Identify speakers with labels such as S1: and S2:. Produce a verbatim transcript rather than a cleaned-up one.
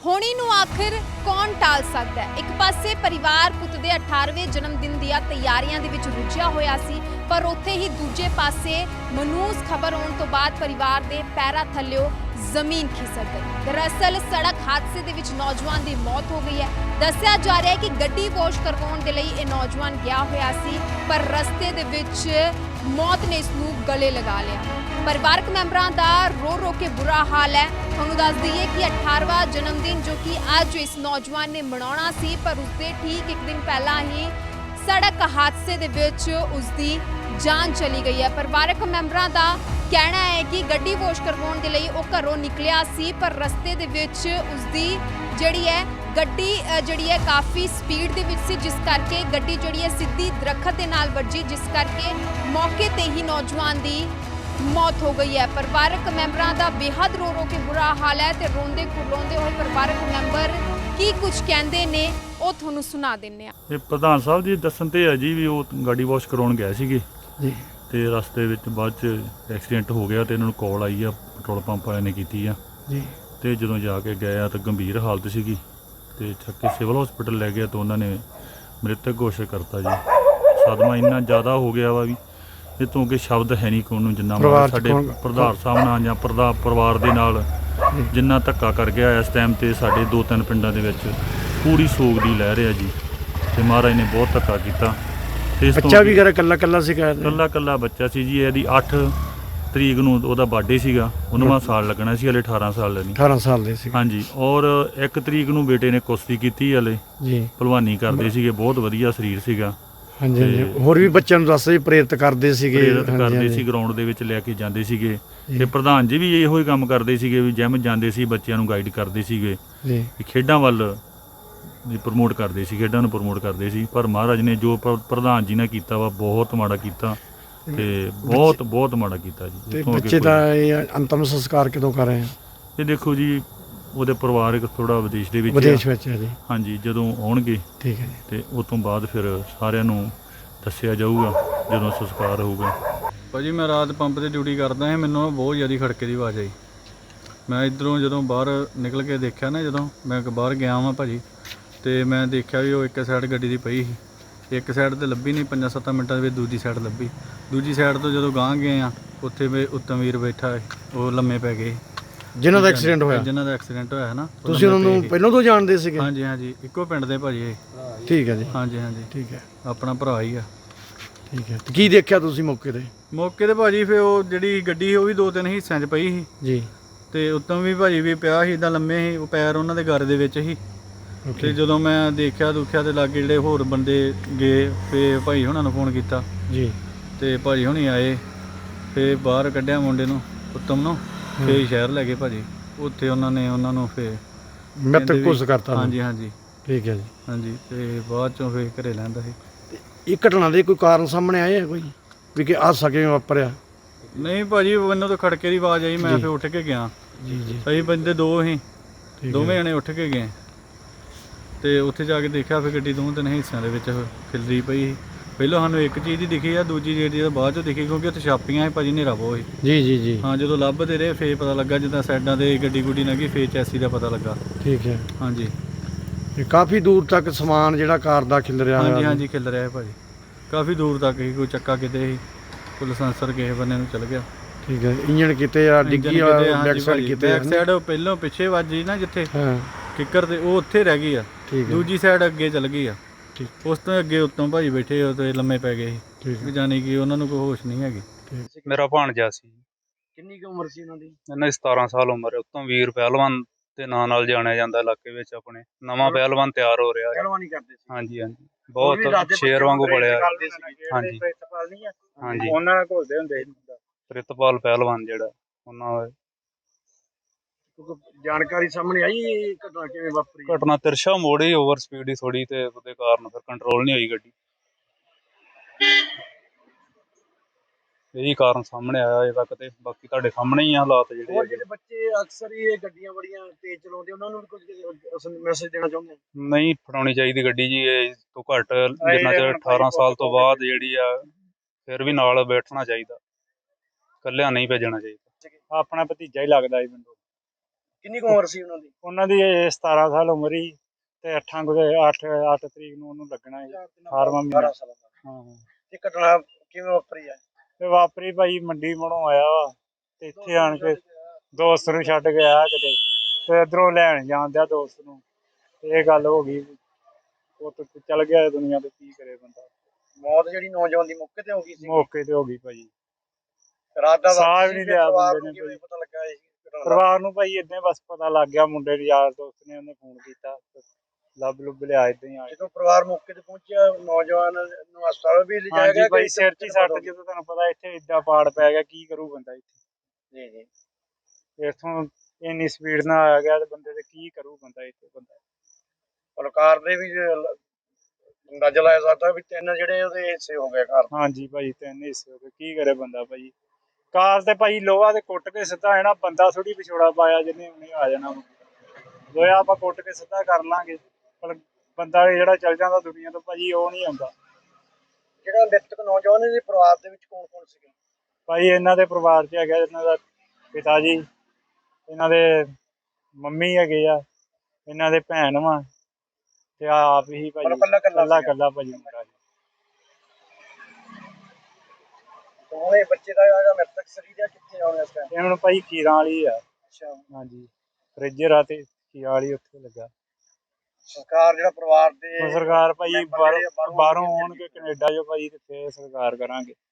S1: ਹੋਣੀ ਨੂੰ ਆਖਿਰ ਕੌਣ ਟਾਲ ਸਕਦਾ ਹੈ। ਇੱਕ ਪਾਸੇ ਪਰਿਵਾਰ ਪੁੱਤ ਦੇ ਅਠਾਰਵੇਂ ਜਨਮ ਦਿਨ ਦੀਆਂ ਤਿਆਰੀਆਂ ਦੇ ਵਿੱਚ ਰੁੱਝਿਆ ਹੋਇਆ ਸੀ, ਪਰ ਉੱਥੇ ਹੀ ਦੂਜੇ ਪਾਸੇ ਮਨੂਸ ਖਬਰ ਆਉਣ ਤੋਂ ਬਾਅਦ ਪਰਿਵਾਰ ਦੇ ਪੈਰਾਂ ਥੱਲਿਓਂ ਜ਼ਮੀਨ ਖਿਸਕ ਗਈ। ਦਰਅਸਲ ਸੜਕ ਹਾਦਸੇ ਦੇ ਵਿੱਚ ਨੌਜਵਾਨ ਦੀ ਮੌਤ ਹੋ ਗਈ ਹੈ। ਦੱਸਿਆ ਜਾ ਰਿਹਾ ਹੈ ਕਿ ਗੱਡੀ ਵਾਸ਼ ਕਰਵਾਉਣ ਦੇ ਲਈ ਇਹ ਨੌਜਵਾਨ ਗਿਆ ਹੋਇਆ ਸੀ, ਪਰ ਰਸਤੇ ਦੇ ਵਿੱਚ ਮੌਤ ਨੇ ਇਸ ਨੂੰ ਗਲੇ ਲਗਾ ਲਿਆ। ਪਰਿਵਾਰਕ ਮੈਂਬਰਾਂ ਦਾ ਰੋ ਰੋ ਕੇ ਬੁਰਾ ਹਾਲ ਹੈ। ਤੁਹਾਨੂੰ ਦੱਸ ਦਈਏ ਕਿ ਅਠਾਰਵਾਂ ਜਨਮ ਦਿਨ ਜੋ ਕਿ ਅੱਜ ਇਸ ਨੌਜਵਾਨ ਨੇ ਮਨਾਉਣਾ ਸੀ, ਪਰ ਉਸਦੇ ਠੀਕ ਇੱਕ ਦਿਨ ਪਹਿਲਾਂ ਹੀ ਸੜਕ ਹਾਦਸੇ ਦੇ ਵਿੱਚ ਉਸਦੀ ਜਾਨ ਚਲੀ ਗਈ ਹੈ। ਪਰਿਵਾਰਕ ਮੈਂਬਰਾਂ ਦਾ ਕਹਿਣਾ ਹੈ ਕਿ ਗੱਡੀ ਵਾਸ਼ ਕਰਵਾਉਣ ਦੇ ਲਈ ਉਹ ਘਰੋਂ ਨਿਕਲਿਆ ਸੀ, ਪਰ ਰਸਤੇ ਦੇ ਵਿੱਚ ਉਸਦੀ ਜਿਹੜੀ ਹੈ ਗੱਡੀ ਜਿਹੜੀ ਹੈ ਕਾਫੀ ਸਪੀਡ ਦੇ ਵਿੱਚ ਸੀ, ਜਿਸ ਕਰਕੇ ਗੱਡੀ ਜਿਹੜੀ ਹੈ ਸਿੱਧੀ ਦਰਖਤ ਦੇ ਨਾਲ ਵੱਜੀ, ਜਿਸ ਕਰਕੇ ਮੌਕੇ ਤੇ ਹੀ ਨੌਜਵਾਨ ਦੀ ਮੌਤ ਹੋ ਗਈ ਹੈ। ਪਰਿਵਾਰਕ ਮੈਂਬਰਾਂ ਦਾ ਬੇਹੱਦ ਰੋ ਰੋ ਕੇ ਬੁਰਾ ਹਾਲ ਹੈ ਤੇ ਰੋਂਦੇ ਕੁਰਲਾਉਂਦੇ ਹੋਏ ਪਰਿਵਾਰਕ ਮੈਂਬਰ ਕੀ ਕੁਝ ਕਹਿੰਦੇ ਨੇ ਉਹ ਤੁਹਾਨੂੰ ਸੁਣਾ ਦਿੰਨੇ ਆ।
S2: ਇਹ ਪ੍ਰਧਾਨ ਸਾਹਿਬ ਜੀ ਦੱਸਣ ਤੇ ਹੈ ਜੀ ਵੀ ਉਹ ਗਾੜੀ ਵਾਸ਼ ਕਰਾਉਣ ਗਏ ਸੀਗੇ
S3: ਜੀ,
S2: ਤੇ ਰਸਤੇ ਵਿੱਚ ਬਾਅਦ ਚ ਐਕਸੀਡੈਂਟ ਹੋ ਗਿਆ ਤੇ ਇਹਨਾਂ ਨੂੰ ਕਾਲ ਆਈ ਆ, ਪੈਟਰੋਲ ਪੰਪ ਵਾਲਿਆਂ ਨੇ ਕੀਤੀ ਆ
S3: ਜੀ,
S2: ਤੇ ਜਦੋਂ ਜਾ ਕੇ ਗਏ ਆ ਤਾਂ ਗੰਭੀਰ ਹਾਲਤ ਸੀਗੀ ਤੇ ਚੱਕ ਕੇ ਸਿਵਲ ਹਸਪੀਟਲ ਲੈ ਗਿਆ ਤਾਂ ਉਹਨਾਂ ਨੇ ਮ੍ਰਿਤਕ ਘੋਸ਼ਿਤ ਕਰਤਾ ਜੀ। ਸਦਮਾ ਇੰਨਾ ਜ਼ਿਆਦਾ ਹੋ ਗਿਆ ਵਾ ਵੀ ਇਹ ਤੋਂ ਅੱਗੇ ਸ਼ਬਦ ਹੈ ਨਹੀਂ ਕੋਈ ਨੂੰ, ਜਿੰਨਾ ਸਾਡੇ ਪ੍ਰਧਾਨ ਸਾਹਿਬ ਨਾਲ ਜਾਂ ਪ੍ਰਧਾ ਪਰਿਵਾਰ ਦੇ ਨਾਲ ਜਿੰਨਾ ਧੱਕਾ ਕਰ ਗਿਆ ਇਸ ਟਾਈਮ ਤੇ ਸਾਡੇ ਦੋ ਤਿੰਨ ਪਿੰਡਾਂ ਦੇ ਵਿੱਚ ਪੂਰੀ ਸੋਗ ਦੀ ਲਹਿਰ ਆ ਜੀ। ਤੇ ਮਹਾਰਾਜ ਨੇ ਬਹੁਤ ਧੱਕਾ ਕੀਤਾ। ਤੇ ਇਸ
S3: ਬੱਚਾ ਵੀ ਘਰ ਕੱਲਾ ਕੱਲਾ ਸੀ,
S2: ਕੱਲਾ ਕੱਲਾ ਬੱਚਾ ਸੀ ਜੀ। ਇਹਦੀ ਅੱਠ ਤਰੀਕ ਨੂੰ ਉਹਦਾ ਬਰਥਡੇ ਸੀਗਾ, ਉਨਵਾਂ ਸਾਲ ਲੱਗਣਾ ਸੀ, ਹਲੇ ਅਠਾਰਾਂ ਸਾਲ ਨਹੀਂ
S3: ਅਠਾਰਾਂ ਸਾਲ ਦੇ ਸੀ।
S2: ਹਾਂਜੀ, ਔਰ ਇੱਕ ਤਰੀਕ ਨੂੰ ਬੇਟੇ ਨੇ ਕੁਸ਼ਤੀ ਕੀਤੀ, ਹਲੇ
S3: ਜੀ
S2: ਭਲਵਾਨੀ ਕਰਦੇ ਸੀਗੇ, ਬਹੁਤ ਵਧੀਆ ਸਰੀਰ ਸੀਗਾ।
S3: ਹਾਂਜੀ ਹਾਂਜੀ, ਹੋਰ ਵੀ ਬੱਚਿਆਂ ਨੂੰ ਦੱਸਦੇ ਪ੍ਰੇਰਿਤ ਕਰਦੇ ਸੀਗੇ,
S2: ਪ੍ਰੇਰਿਤ ਕਰਦੇ ਸੀ, ਗਰਾਊਂਡ ਦੇ ਵਿੱਚ ਲੈ ਕੇ ਜਾਂਦੇ ਸੀਗੇ। ਤੇ ਪ੍ਰਧਾਨ ਜੀ ਵੀ ਇਹੋ ਹੀ ਕੰਮ ਕਰਦੇ ਸੀਗੇ ਵੀ ਜਿਮ ਜਾਂਦੇ ਸੀ, ਬੱਚਿਆਂ ਨੂੰ ਗਾਈਡ ਕਰਦੇ ਸੀਗੇ
S3: ਜੀ,
S2: ਖੇਡਾਂ ਵੱਲ ਪ੍ਰਮੋਟ ਕਰਦੇ ਸੀ, ਖੇਡਾਂ ਨੂੰ ਪ੍ਰਮੋਟ ਕਰਦੇ ਸੀ। ਪਰ ਮਹਾਰਾਜ ਨੇ ਜੋ ਪ੍ਰਧਾਨ ਜੀ ਨੇ ਕੀਤਾ ਵਾ ਬਹੁਤ ਮਾੜਾ ਕੀਤਾ ਤੇ ਬਹੁਤ ਬਹੁਤ ਮਾੜਾ ਕੀਤਾ ਜੀ।
S3: ਤੇ ਬੱਚੇ ਦਾ ਇਹ ਅੰਤਮ ਸੰਸਕਾਰ ਕਦੋਂ ਕਰ ਰਹੇ ਆ?
S2: ਇਹ ਦੇਖੋ ਜੀ, ਉਹਦੇ ਪਰਿਵਾਰਕ ਥੋੜਾ ਵਿਦੇਸ਼ ਦੇ ਵਿੱਚ
S3: ਵਿਦੇਸ਼ ਵਿੱਚ ਹੈ ਜੀ।
S2: ਹਾਂਜੀ, ਜਦੋਂ ਆਉਣਗੇ
S3: ਠੀਕ ਹੈ ਜੀ,
S2: ਤੇ ਉਸ ਤੋਂ ਬਾਅਦ ਫਿਰ ਸਾਰਿਆਂ ਨੂੰ ਦੱਸਿਆ ਜਾਊਗਾ ਜਦੋਂ ਸੰਸਕਾਰ ਹੋਊਗਾ।
S4: ਭਾਜੀ ਮੈਂ ਰਾਤ ਪੰਪ ਤੇ ਡਿਊਟੀ ਕਰਦਾ ਹਾਂ, ਮੈਨੂੰ ਬਹੁਤ ਜ਼ਿਆਦਾ ਖੜਕੇ ਦੀ ਆਵਾਜ਼ ਆਈ। ਮੈਂ ਇੱਧਰੋਂ ਜਦੋਂ ਬਾਹਰ ਨਿਕਲ ਕੇ ਦੇਖਿਆ ਨਾ, ਜਦੋਂ ਮੈਂ ਬਾਹਰ ਗਿਆ ਵਾਂ ਭਾਜੀ, ਤੇ ਮੈਂ ਦੇਖਿਆ ਵੀ ਉਹ ਇੱਕ ਸਾਈਡ ਗੱਡੀ ਦੀ ਪਈ ਸੀ, ਇੱਕ ਸਾਈਡ ਤੇ ਲੱਭੀ ਨਹੀਂ, ਪੰਜਾਂ ਸੱਤਾਂ ਮਿੰਟਾਂ ਦੇ ਵਿੱਚ ਦੂਜੀ ਸਾਈਡ ਲੱਭੀ। ਦੂਜੀ ਸਾਈਡ ਤੋਂ ਜਦੋਂ ਗਾਂਹ ਗਏ ਆ, ਉੱਥੇ ਵੀ ਉੱਤਮ ਵੀਰ ਬੈਠਾ, ਉਹ ਲੰਮੇ ਪੈ ਗਏ
S3: ਜਿਨ੍ਹਾਂ ਦਾ ਐਕਸੀਡੈਂਟ ਹੋਇਆ।
S4: ਜਿਨ੍ਹਾਂ ਦਾ ਐਕਸੀਡੈਂਟ ਹੋਇਆ ਹੈ ਨਾ,
S3: ਤੁਸੀਂ ਉਹਨਾਂ ਨੂੰ ਪਹਿਲਾਂ ਤੋਂ ਜਾਣਦੇ ਸੀਗੇ?
S4: ਹਾਂਜੀ ਹਾਂਜੀ, ਇੱਕੋ ਪਿੰਡ ਦੇ ਭਾਜੀ ਇਹ।
S3: ਠੀਕ ਹੈ ਜੀ,
S4: ਹਾਂਜੀ ਹਾਂਜੀ,
S3: ਠੀਕ ਹੈ,
S4: ਆਪਣਾ ਭਰਾ ਹੀ ਆ।
S3: ਠੀਕ ਹੈ। ਕੀ ਦੇਖਿਆ ਤੁਸੀਂ ਮੌਕੇ ਤੇ?
S4: ਮੌਕੇ ਤੇ ਭਾਜੀ ਫਿਰ ਉਹ ਜਿਹੜੀ ਗੱਡੀ ਸੀ ਉਹ ਵੀ ਦੋ ਤਿੰਨ ਹਿੱਸਿਆਂ 'ਚ ਪਈ ਸੀ
S3: ਜੀ,
S4: ਤੇ ਉੱਤੋਂ ਵੀ ਭਾਜੀ ਵੀ ਪਿਆ ਸੀ, ਇੱਦਾਂ ਲੰਮੇ ਸੀ, ਉਹ ਪੈਰ ਉਹਨਾਂ ਦੇ ਗਰ ਦੇ ਵਿੱਚ ਸੀ। ਤੇ ਜਦੋਂ ਮੈਂ ਦੇਖਿਆ ਦੁਖਿਆ ਤੇ ਲਾਗੇ ਜਿਹੜੇ ਹੋਰ ਬੰਦੇ ਗਏ, ਫਿਰ ਭਾਈ ਹੁਣਾਂ ਨੂੰ ਫੋਨ ਕੀਤਾ
S3: ਜੀ, ਤੇ
S4: ਭਾਜੀ ਹੁਣੀ ਆਏ, ਫਿਰ ਬਾਹਰ ਕੱਢਿਆ ਮੁੰਡੇ ਨੂੰ, ਉੱਤਮ ਨੂੰ, ਫਿਰ ਸ਼ਹਿਰ ਲੈ ਗਏ ਭਾਜੀ। ਉੱਥੇ ਉਹਨਾਂ ਨੇ ਉਹਨਾਂ ਨੂੰ ਫਿਰ
S3: ਮ੍ਰਿਤਕ ਘੋਸ਼ਿਤ ਕਰਤਾ।
S4: ਹਾਂਜੀ ਹਾਂਜੀ,
S3: ਠੀਕ ਹੈ ਜੀ,
S4: ਹਾਂਜੀ। ਤੇ ਬਾਅਦ ਚੋਂ ਫਿਰ ਘਰੇ ਲੈਂਦਾ ਸੀ।
S3: ਇਹ ਘਟਨਾ ਦੇ ਕੋਈ ਕਾਰਨ ਸਾਹਮਣੇ ਆਏ ਆ ਕੋਈ ਵੀ ਕਿ ਹਾਦਸਾ ਕਿਵੇਂ ਵਾਪਰਿਆ?
S4: ਨਹੀਂ ਭਾਜੀ, ਮੈਨੂੰ ਤਾਂ ਖੜਕੇ ਦੀ ਆਵਾਜ਼ ਆਈ, ਮੈਂ ਫਿਰ ਉੱਠ ਕੇ ਗਿਆ।
S3: ਜੀ ਜੀ,
S4: ਅਸੀਂ ਬੰਦੇ ਦੋ ਸੀ, ਦੋਵੇਂ ਜਣੇ ਉੱਠ ਕੇ ਗਏ ਤੇ ਉੱਥੇ ਜਾ ਕੇ ਦੇਖਿਆ ਫਿਰ ਗੱਡੀ ਦੋਵੇਂ ਤਿੰਨ ਹਿੱਸਿਆਂ ਦੇ ਵਿੱਚ ਖਿਲਰੀ ਪਈ ਸੀ। ਪਹਿਲਾਂ ਸਾਨੂੰ ਇੱਕ ਚੀਜ਼ ਦੀ ਦਿਖੀ ਆ, ਦੂਜੀ ਜਿਹੜੀ ਆ ਬਾਅਦ 'ਚੋਂ ਦਿਖੀ, ਕਿਉਂਕਿ ਉੱਥੇ ਛਾਪੀਆਂ ਸੀ ਭਾਜੀ, ਹਨੇਰਾ ਬਹੁਤ ਸੀ।
S3: ਜੀ ਜੀ ਜੀ,
S4: ਹਾਂ, ਜਦੋਂ ਲੱਭਦੇ ਰਹੇ ਫੇਰ ਪਤਾ ਲੱਗਾ, ਜਿੱਦਾਂ ਸਾਈਡਾਂ ਤੇ ਗੱਡੀ ਗੁੱਡੀ ਲੰਘੀ ਫੇਰ ਚੈਸੀ ਦਾ ਪਤਾ ਲੱਗਾ।
S3: ਠੀਕ ਹੈ।
S4: ਹਾਂਜੀ,
S3: ਇਹ ਕਾਫੀ ਦੂਰ ਤੱਕ ਸਮਾਨ ਜਿਹੜਾ ਕਾਰ ਦਾ ਖਿਲ ਰਿਹਾ?
S4: ਹਾਂਜੀ ਹਾਂਜੀ, ਖਿਲ ਰਿਹਾ ਭਾਜੀ, ਕਾਫੀ ਦੂਰ ਤੱਕ ਹੀ। ਕੋਈ ਚੱਕਾ ਕਿਤੇ ਸੀ, ਕੋਈ ਲਾਇਸੈਂਸਰ ਕਿਸੇ ਬੰਨੇ ਨੂੰ ਚਲ ਗਿਆ।
S3: ਠੀਕ ਹੈ। ਇੰਜਣ ਕਿਤੇ ਆ, ਡਿੱਗੀ ਆ, ਬੈਕ ਸਾਈਡ ਕਿਤੇ?
S4: ਬੈਕ ਸਾਈਡ ਪਹਿਲਾਂ ਪਿੱਛੇ ਵੱਜੀ ਨਾ ਜਿੱਥੇ
S3: ਹਾਂ
S4: ਕਿੱਕਰ ਤੇ, ਉਹ ਉੱਥੇ ਰਹਿ ਗਈ ਆ।
S3: ਠੀਕ ਹੈ।
S4: ਦੂਜੀ ਸਾਈਡ ਅੱਗੇ ਚਲ ਗਈ ਆ।
S3: ਠੀਕ।
S4: ਉਸ ਤੋਂ ਅੱਗੇ ਉੱਤੋਂ ਭਾਜੀ ਬੈਠੇ ਉਹ ਤੇ ਲੰਮੇ ਪੈ ਗਏ ਸੀ।
S3: ਠੀਕ ਹੈ।
S4: ਜਾਣੀ ਕਿ ਉਹਨਾਂ ਨੂੰ ਕੋਈ ਹੋਸ਼ ਨਹੀਂ ਹੈਗੀ।
S5: ਮੇਰਾ ਭਾਣਜਾ ਸੀ।
S3: ਕਿੰਨੀ ਕੁ ਉਮਰ ਸੀ ਇਹਨਾਂ ਦੀ?
S5: ਇਹਨਾਂ ਦੀ ਸਤਾਰਾਂ ਸਾਲ ਉਮਰ ਹੈ। ਉੱਤੋਂ ਵੀਰ ਪਹਿਲਵਾਨ ਦੇ ਨਾਂ ਨਾਲ ਜਾਣਿਆ ਜਾਂਦਾ ਇਲਾਕੇ ਵਿੱਚ। ਆਪਣੇ ਨਵਾਂ ਪਹਿਲਵਾਨ ਤਿਆਰ ਹੋ ਰਿਹਾ ਹੈ।
S3: ਪਹਿਲਵਾਨੀ ਕਰਦੇ ਸੀ?
S5: ਹਾਂਜੀ ਹਾਂਜੀ, ਬਹੁਤ ਸ਼ੇਰ ਵਾਂਗੂ ਪਲਿਆ। ਹਾਂਜੀ ਹਾਂਜੀ,
S3: ਉਹਨਾਂ ਨਾਲ ਘੁਲਦੇ ਹੁੰਦੇ ਸੀ।
S5: ਪ੍ਰਿਤਪਾਲ ਪਹਿਲਵਾਨ ਜਿਹੜਾ ਉਹਨਾਂ ਦਾ।
S3: ਜਾਣਕਾਰੀ ਸਾਹਮਣੇ ਆਈ ਘਟਨਾ ਕਿਵੇਂ ਵਾਪਰੀ?
S5: ਘਟਨਾ ਤਿਰਸ਼ਾ ਮੋੜ ਹੀ ਓਵਰ ਸਪੀਡ ਹੀ ਥੋੜੀ, ਤੇ ਉਹਦੇ ਕਾਰਨ ਫਿਰ ਕੰਟਰੋਲ ਨਹੀਂ ਹੋਈ ਗੱਡੀ। ਇਹੀ ਕਾਰਨ ਸਾਹਮਣੇ ਆਇਆ ਅਜੇ ਤੱਕ, ਤੇ ਬਾਕੀ ਤੁਹਾਡੇ ਸਾਹਮਣੇ ਹੀ ਆ ਹਾਲਾਤ ਜਿਹੜੇ।
S3: ਹੋਰ ਜਿਹੜੇ ਬੱਚੇ ਅਕਸਰ ਹੀ ਇਹ ਗੱਡੀਆਂ ਬੜੀਆਂ ਤੇਜ਼ ਚਲਾਉਂਦੇ, ਉਹਨਾਂ ਨੂੰ ਵੀ ਕੁਝ ਮੈਸੇਜ ਦੇਣਾ ਚਾਹੁੰਦੇ?
S5: ਨਹੀਂ ਫੜਾਉਣੀ ਚਾਹੀਦੀ ਗੱਡੀ ਜੀ, ਇਹ ਤੋਂ ਘੱਟ ਜਿੰਨਾ ਚਿਰ ਅਠਾਰਾਂ ਸਾਲ ਤੋਂ ਬਾਅਦ ਜਿਹੜੀ ਆ, ਫਿਰ ਵੀ ਨਾਲ ਬੈਠਣਾ ਚਾਹੀਦਾ, ਇਕੱਲਿਆਂ ਨਹੀਂ ਭੇਜਣਾ ਚਾਹੀਦਾ।
S6: ਆਪਣਾ ਭਤੀਜਾ ਹੀ ਲੱਗਦਾ ਸੀ ਮੈਨੂੰ।
S3: ਕਿੰਨੀ ਕੁ ਉਮਰ ਸੀ ਉਹਨਾਂ ਦੀ?
S6: ਉਹਨਾਂ ਦੀ ਇਹ ਸਤਾਰਾਂ ਸਾਲ ਉਮਰ ਹੀ ਤੇ ਅੱਠਾਂ ਕੁ ਅੱਠ ਅੱਠ ਤਰੀਕ ਨੂੰ ਉਹਨੂੰ ਲੱਗਣਾ ਹੈ ਅਠਾਰਵਾਂ ਮਹੀਨਾ।
S3: ਅਠਾਰਾਂ ਸਾਲਾਂ ਦਾ।
S6: ਹਾਂ
S3: ਇਹ ਘਟਨਾ ਕਿਵੇਂ ਵਾਪਰੀ ਹੈ?
S6: ਤੇ ਵਾਪਰੀ ਭਾਈ ਮੰਡੀ ਮੜੋਂ ਆਇਆ ਵਾ ਤੇ ਇੱਥੇ ਆਣ ਕੇ ਦੋਸਤ ਨੂੰ ਛੱਡ ਕੇ ਆਇਆ ਕਿਤੇ ਤੇ ਇੱਧਰੋਂ ਲੈਣ ਜਾਂਦਿਆ ਦੋਸਤ ਨੂੰ ਤੇ ਇਹ ਗੱਲ ਹੋ ਗਈ। ਉਹ ਤੇ ਚੱਲ ਗਿਆ ਦੁਨੀਆ ਤੇ, ਕੀ ਕਰੇ ਬੰਦਾ।
S3: ਮੌਤ ਜਿਹੜੀ ਨੌਜਵਾਨ ਦੀ ਮੌਕੇ ਤੇ ਹੋ ਗਈ ਸੀ?
S6: ਮੌਕੇ ਤੇ ਹੋ ਗਈ ਭਾਈ।
S3: ਰਾਤ ਦਾ
S6: ਸਾਹ
S3: ਵਕਤ
S6: ਵੀ ਨਹੀਂ
S3: ਸੀ,
S6: ਲਿਆ
S3: ਪਰਿਵਾਰ
S6: ਬੰਦੇ
S3: ਨੂੰ
S6: ਨੇ
S3: ਕਿਵੇਂ
S6: ਭਾਈ।
S3: ਪਤਾ ਲੱਗਾ ਇਹ ਘਟਨਾ ਦਾ?
S6: ਪਰਿਵਾਰ ਨੂੰ ਭਾਈ ਏਦਾਂ ਹੀ ਬਸ ਪਤਾ ਲੱਗ ਗਿਆ, ਮੁੰਡੇ ਦੇ ਯਾਰ ਦੋਸਤ ਨੇ ਉਹਨੇ ਫੋਨ ਕੀਤਾ, ਲੱਭ ਲੁੱਭ ਲਿਆ ਏਦਾਂ ਹੀ ਆ ਕੇ।
S3: ਜਦੋਂ ਪਰਿਵਾਰ ਮੌਕੇ ਤੇ ਪਹੁੰਚਿਆ ਨੌਜਵਾਨ ਨੂੰ ਹਸਪਤਾਲ ਵੀ ਲਿਜਾਇਆ
S6: ਹਾਂਜੀ
S3: ਗਿਆ?
S6: ਭਾਈ
S3: ਕਿ
S6: ਸਿਰ 'ਚ ਹੀ ਸੱਟ, ਜਦੋਂ ਤੁਹਾਨੂੰ ਪਤਾ ਇੱਥੇ ਏਦਾਂ ਪਾੜ ਪੈ ਗਿਆ, ਕੀ ਕਰੂ ਬੰਦਾ ਇੱਥੇ।
S3: ਜੀ ਜੀ।
S6: ਇੱਥੋਂ ਇੰਨੀ ਸਪੀਡ ਨਾਲ ਆ ਗਿਆ ਤੇ ਬੰਦੇ ਤੇ ਕੀ ਕਰੂ ਬੰਦਾ ਇੱਥੇ ਬੰਦਾ।
S3: ਪਲਕਾਰ ਦੇ ਵੀ ਅੰਦਾਜ਼ਾ ਲਾਇਆ ਸਕਦਾ ਵੀ ਤਿੰਨ ਜਿਹੜੇ ਉਹਦੇ ਹਿੱਸੇ ਹੋ ਗਏ ਘਰ।
S6: ਹਾਂਜੀ ਭਾਈ ਤਿੰਨ ਹਿੱਸੇ ਹੋ ਗਏ, ਕੀ ਕਰੇ ਬੰਦਾ ਭਾਈ। ਕਾਰ ਤੇ ਭਾਈ ਲੋਹਾ ਤੇ ਕੁੱਟ ਕੇ ਸਿੱਧਾ ਹੈ ਨਾ, ਬੰਦਾ ਥੋੜੀ ਵਿਛੋੜਾ ਪਾਇਆ ਜਿਹਨੇ ਉਹਨੇ ਆ ਜਾਣਾ। ਲੋਹਾ ਆਪਾਂ ਕੁੱਟ ਕੇ ਸਿੱਧਾ ਕਰ ਲਾਂਗੇ, ਪਰ ਬੰਦਾ ਜਿਹੜਾ ਚੱਲ ਜਾਂਦਾ ਦੁਨੀਆ ਤੋਂ ਭਾਜੀ ਉਹ ਨਹੀਂ ਆਉਂਦਾ।
S3: ਜਿਹੜਾ ਮ੍ਰਿਤਕ ਨੌਜਵਾਨ ਦੇ ਪਰਿਵਾਰ ਦੇ ਵਿੱਚ ਕੌਣ ਕੌਣ ਸੀਗੇ?
S6: ਭਾਈ ਇਹਨਾਂ ਦੇ ਪਰਿਵਾਰ 'ਚ ਹੈਗਾ ਇਹਨਾਂ ਦਾ ਪਿਤਾ ਜੀ, ਇਹਨਾਂ ਦੇ ਮੰਮੀ ਹੈਗੇ ਆ, ਇਹਨਾਂ ਦੇ ਭੈਣ ਵਾ ਤੇ ਆਪ ਹੀ ਭਾਈ
S3: ਮਤਲਬ ਕੱਲਾ ਕੱਲਾ
S6: ਕੱਲਾ
S3: ਸੀਗਾ।
S6: ਕੱਲਾ ਭਾਜੀ ਮੁੰਡਾ ਜੀ।
S3: ਦੋਵੇਂ ਬੱਚੇ ਦਾ ਜਿਹੜਾ ਮ੍ਰਿਤਕ ਸਰੀਰ ਹੈ ਕਿੱਥੇ ਆਉਣਾ ਇਸ ਟਾਈਮ?
S6: ਇਹ ਹੁਣ ਭਾਈ ਖੀਰਾਂ ਵਾਲੀ ਆ।
S3: ਅੱਛਾ।
S6: ਹਾਂਜੀ ਫਰਿੱਜਰ ਆ ਤੇ ਖੀਰਾਂ ਵਾਲੀ ਉੱਥੇ ਲੱਗਾ।
S3: ਸਰਕਾਰ ਜਿਹੜਾ ਪਰਿਵਾਰ ਦੇ
S6: ਹੁਣ ਸਰਕਾਰ ਭਾਈ
S3: ਮੈਂਬਰ
S6: ਬਾਹਰੋਂ
S3: ਜਿਹੜੇ ਆ ਬਾਹਰੋਂ
S6: ਬਾਹਰੋਂ ਆਉਣਗੇ ਕੈਨੇਡਾ ਜੋ ਭਾਈ ਤੇ ਫੇਰ ਸਰਕਾਰ ਕਰਾਂਗੇ।